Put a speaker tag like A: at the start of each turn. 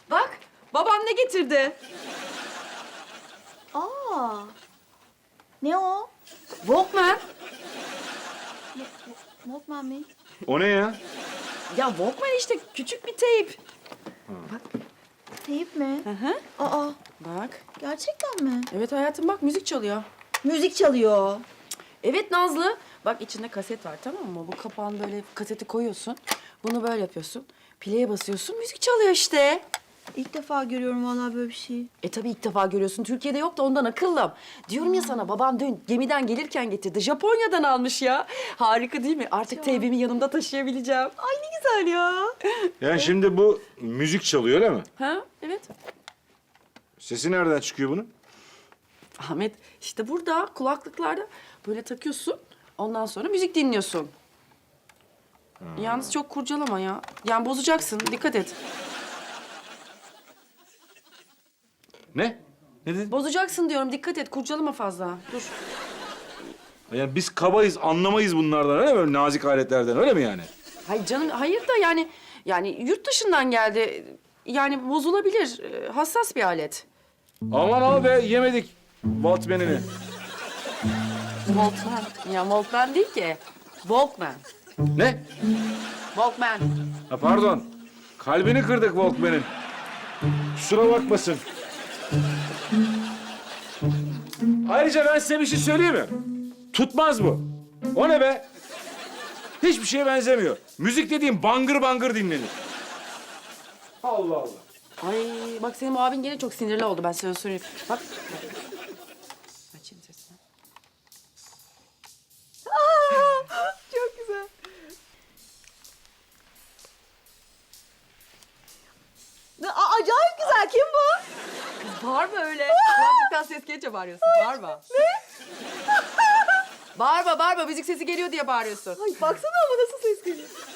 A: Bak, babam ne getirdi?
B: Aa. Ne o?
A: Walkman.
B: Walkman mi?
C: O ne ya?
A: Ya Walkman işte, küçük bir teyp.
B: Teyip mi?
A: Hı hı.
B: Aa,
A: Bak.
B: gerçekten mi?
A: Evet hayatım, bak müzik çalıyor.
B: Müzik çalıyor.
A: Evet Nazlı. Bak içinde kaset var, tamam mı? Bu kapağını böyle kaseti koyuyorsun. Bunu böyle yapıyorsun. Play'e basıyorsun, müzik çalıyor işte.
B: İlk defa görüyorum vallahi böyle bir şey.
A: Tabii ilk defa görüyorsun. Türkiye'de yok da ondan akıllım. Diyorum ya sana, babam dün gemiden gelirken getirdi. Japonya'dan almış ya. Harika değil mi? Artık teybimi yanımda taşıyabileceğim.
B: Ay ne güzel ya.
C: Yani şimdi bu müzik çalıyor öyle mi?
A: Ha? Evet.
C: Sesi nereden çıkıyor bunun?
A: Ahmet işte burada kulaklıklarda böyle takıyorsun. Ondan sonra müzik dinliyorsun. Yalnız çok kurcalama ya. Yani bozacaksın. Dikkat et.
C: Ne? Ne dedin?
A: Bozacaksın diyorum. Dikkat et. Kurcalama fazla. Dur.
C: Yani biz kabayız, anlamayız bunlardan öyle mi? Böyle nazik aletlerden öyle mi yani?
A: Hayır canım, hayır da yani yurt dışından geldi. Yani bozulabilir. Hassas bir alet.
C: Aman al be, yemedik Walkman'ini.
A: Walkman. Ya Walkman değil ki. Walkman.
C: Ne?
A: Walkman.
C: Ha pardon. Kalbini kırdık Walkman'in. Kusura bakmasın. Ayrıca ben size bir şey söyleyeyim mi? Tutmaz bu. O ne be? Hiçbir şeye benzemiyor. Müzik dediğim bangır bangır dinlenir. Allah Allah.
A: Ay bak senin bu abin gene çok sinirli oldu, ben sana söyleyeyim. Bak. Açayım sesini.
B: Çok güzel. Acayip güzel. Kim bu?
A: Bağırma öyle. Kulaklıktan ses gelince bağırıyorsun. Bağırma. Ne? Bağırma, bağırma. Müzik sesi geliyor diye bağırıyorsun.
B: Ay baksana ama nasıl ses geliyor.